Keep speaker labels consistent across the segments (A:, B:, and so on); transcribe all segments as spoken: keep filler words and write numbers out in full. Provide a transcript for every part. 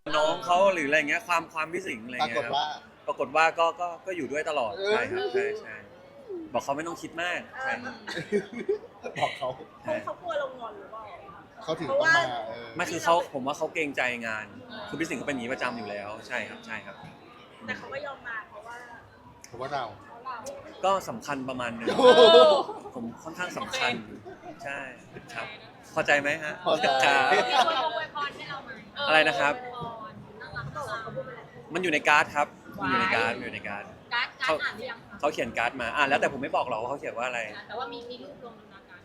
A: น้องเขาหรืออะไรเงี้ยความความพิสิงอะไร
B: ปรา
A: เงี้
B: ก
A: ย
B: ฏ
A: ครับ
B: ว่า
A: ปรากฏว่าก็ก็ก็อยู่ด้วยตลอด
B: เออ
A: ใช่ครับใช่ใช่บอกเขาไม่ต้องคิดมากใช่ครับ
B: บอกเขา
A: ใช่
C: เขากลัวเรางอนหรือเปล่า
B: เขาถึงต้องมาเออ
A: ไม่คือเขาผมว่าเขาเกรงใจงาน คือพิสิงเขาเป็นอย่างนี้ประจำอยู่แล้วใช่ครับใช่ครับ
C: แต่เขาก็ยอมมาเพราะว่า
B: เพราะว่าเรา
C: เขาเรา
A: ก็สำคัญประมาณหนึง
B: โอ้โห
A: ผมค่อนข้างสำคัญใช่ครับพอใจไหมฮะ
B: พอใจ
A: ครับ
D: มีคนมาอวยพรให้เราไหม
A: อะไรนะครับ
D: อวยพรน่ารัก
C: เขา
D: น่า
C: บอก
D: รั
C: ว่าก เขาพูดไปแล้ว
A: มันอยู่ในการ์ดครับมันอยู่ในการ์ดมันอยู่ในการ์ด
D: การ์ดการ์ดอ่านหรือยังคะ
A: เขาเขียนการ์ดมาอ่ะแล้วแต่ผมไม่บอกหรอกว่าเขาเขียนว่าอะไร
D: แต่ว่ามีมีรูปลงในการ์ด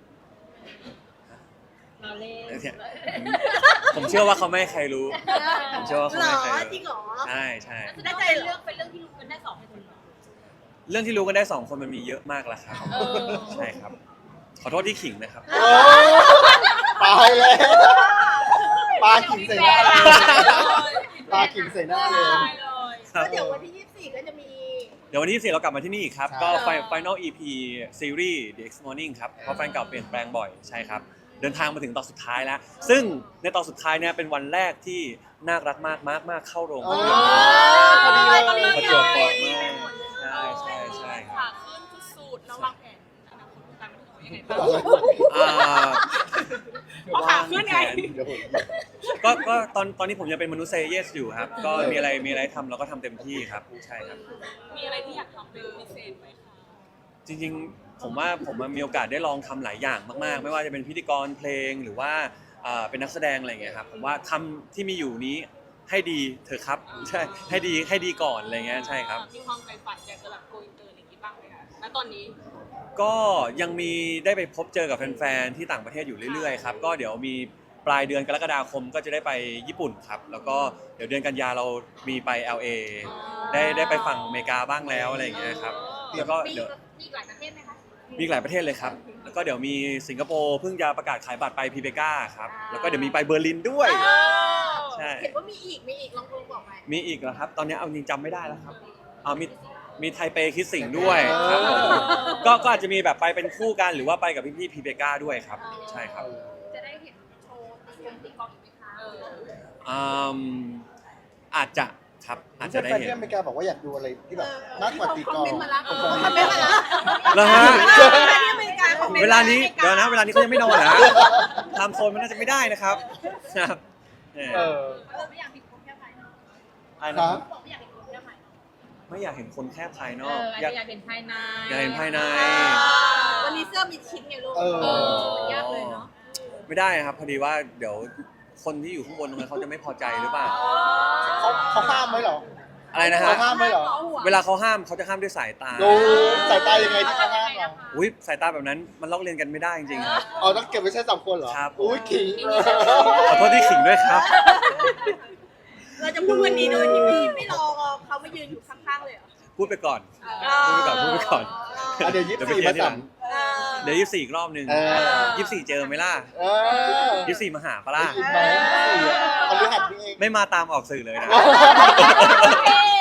D: เราเล่น
A: เนี่ยผมเชื่อว่าเขาไม่ให้ใครรู้ ผมเชื่อว่าเขา
C: หร
A: ไม่
C: อ
A: ให้ใคร
C: จริ
A: รู้
C: งเหรอ
A: ใช่ใช่
D: แน่ใจเรื่องเป็นเรื่องที่รู้กันได้สองคนเหรอ
A: เรื่องที่รู้กันได้สองคนมันมีเยอะมากแล้วครับ
D: เออ
A: ใช่ครับ ขอโทษที่ขิงนะครับ
B: โอ้ตายแล้วปลาขิงใส่หน้าเลยปลาขิงใส่หน้าเลย
D: ได้เลย
A: ครับ
C: แล้วเดี๋ยววันที่ยี่สิบสี่ก็จะมี
A: เดี๋ยววันที่สี่เรากลับมาที่นี่อีกครับ
B: ใช่
A: ก็ Final อี พี ซีรีส์ The X Morning ครับ เพราะแฟนเก่าเปลี่ยนแปลงบ่อย ใช่ครับ เดินทางมาถึงตอนสุดท้ายแล้ว ซึ่งในตอนสุดท้ายเนี่ยเป็นวันแรกที่น่ารักมากมากมากเข้าโรงภาพยนตร์
B: พอดีเลย
A: ประจวบเหมาะมากใช่ใช่ใช่ครับ
D: ขาขึ้นสุดๆแล้ววางแผนอนาคตของการเป็นยังไงบ้าง
A: อ่า
D: เพราะขาขึ้นไง
B: เดี๋ยวผม
A: ก็ก็ตอนตอนนี้ผมยังเป็นมนุษย์เซเยสอยู่ครับ ก็มีอะไรมีอะไรทำเราก็ทำเต็มที่ครับ ใช่ครับ
D: มีอะไรที่อยากทำเป็นพิเศษไหมคะ
A: จริงๆ ผมว่าผมมีโอกาสได้ลองทำหลายอย่างมากๆ ไม่ว่าจะเป็นพิธีกรเพลงหรือว่าอ่าเป็นนักแสดงอะไรอย่างเงี้ยครับ ผมว่าทำที่มีอยู่นี้ให้ดีเถอะครับ ใช่ ให้ดีให้ดีก่อนอะไรเงี้ย ใช่ครับ
D: มีความใฝ่ฝันอยากจะแบบโกอินเตอร์อะไรอย่างงี้บ้างไหมคะณตอนนี้
A: ก็ยังมีได้ไปพบเจอกับแฟนๆ ที่ต่างประเทศอยู่เรื่อยๆ ครับ ก็เดี๋ยวมีปลายเดือนกรกฎาคมก็จะได้ไปญี่ปุ่นครับ แล้วก็เดี๋ยวเดือนกันยาเรามีไป แอล เอ ได้ได้ไปฝั่งอเมริกาบ้างแล้วอะไรอย่างเงี้ยครับ แล้วก็
D: มี
A: เดี๋ยว
D: มีอีกหลายประเทศไหมคะ
A: มีอีกหลายประเทศเลยครับ แล้วก็เดี๋ยวมีสิงคโปร์เพิ่งจะประกาศขายบัตรไปพีเบกาครับ แล้วก็เดี๋ยวมีไปเบอร์ลินด้วย ใช่
C: เห็นว่ามีอีก มีอีก ลองลองบอกไหม
A: มีอีกเหรอครับ ตอนนี้เอาจริงจำไม่ได้แล้วครับเอามีมีไทเปคิดสิงห์ด้วยครับผมก็ก็อาจจะมีแบบไปเป็นคู่กันหรือว่าไปกับพี่ๆพีเบกาด้วยครับ ใช่ครับ
D: จะได้เห็นโชว์ตีกงตีกลองอีกไหมคะ
A: อืมอาจจะครับอาจจะได้
B: แฟน
A: เห็น
B: ที่อเมริกาบอกว่าอยากดูอะไรที่แบบมากกว่าตีกลอง
C: คอมเมนต์มาละ
B: คอม
C: คอมเมนต์มาละ
A: แล้วฮะ
C: ที่อเมริกาคอมเมนต์
A: เวลานี้เดี๋ยวนะเวลานี้เขายังไม่นอนเหรอฮะไทม์โซนมันน่าจะไม่ได้นะครับครับเออ
B: เออ
D: เราไม่อยากเห็นคนแค่ภายนอก
A: อะไร
B: ครั
A: นะ
B: บ
D: บอกไม่อยากเห็นคนแค่ภายนอก
A: ไม่อยากเห็นคนแค่ภายน
D: เอ
A: อก
D: ออาจ
A: อยาก
D: จะอยากเห็นภายใน
A: อยากเห็นภายใน
C: วันนี้เสื้อมีชิ้นไงลูก
B: เออ
D: เออยากเลยเนาะ
A: ไม่ได้ครับ พอดีว่าเดี๋ยวคนที่อยู่ข้างบนตรงนั้นเขาจะไม่พอใจหรือเปล่า
B: เขาเขาห้ามไหมเหรอ
A: อะไรนะฮะ
B: เขาห้ามไหมเหรอ
A: เวลาเขาห้ามเขาจะห้ามด้วยสายตา
B: ดูสายตายังไงที่เขาห้ามเรา
A: อุ้ยสายตาแบบนั้นมันลอกเลียนกันไม่ได้จริงๆครับ
B: อ๋อต้องเก็บไว้ใช้สามคนเหรอ
A: ครับ
B: อุ้ยขิง
A: ขอโทษที่ขิงด้วยครับ
C: เราจะพูดวันนี้โดยที่ไม่ไม่รอเขามายืนอยู่ข้างๆเลยเหรอ
A: พูดไปก่อน พูดไปก่อนพูดไปก่อน
B: อ่ะเดี๋ยวยี่สิบสี่
A: เดี๋ยวไปเคลียร์ทีหลั
B: มาสั่
A: ง
B: ง
C: เออ
A: เดี๋ยวยี่สิบสี่อีกรอบหนึ่ง
B: เออ
A: ยี่สิบสี่เจอไหมล่ะ
B: เออ
A: ยี่สิบสี่มาหาปะล่ะ
B: ได้ยินไหมสี่อ่ะพฤหัสนี่เอง
A: ไม่มาตามออกสื่อเลยนะ
D: โอเค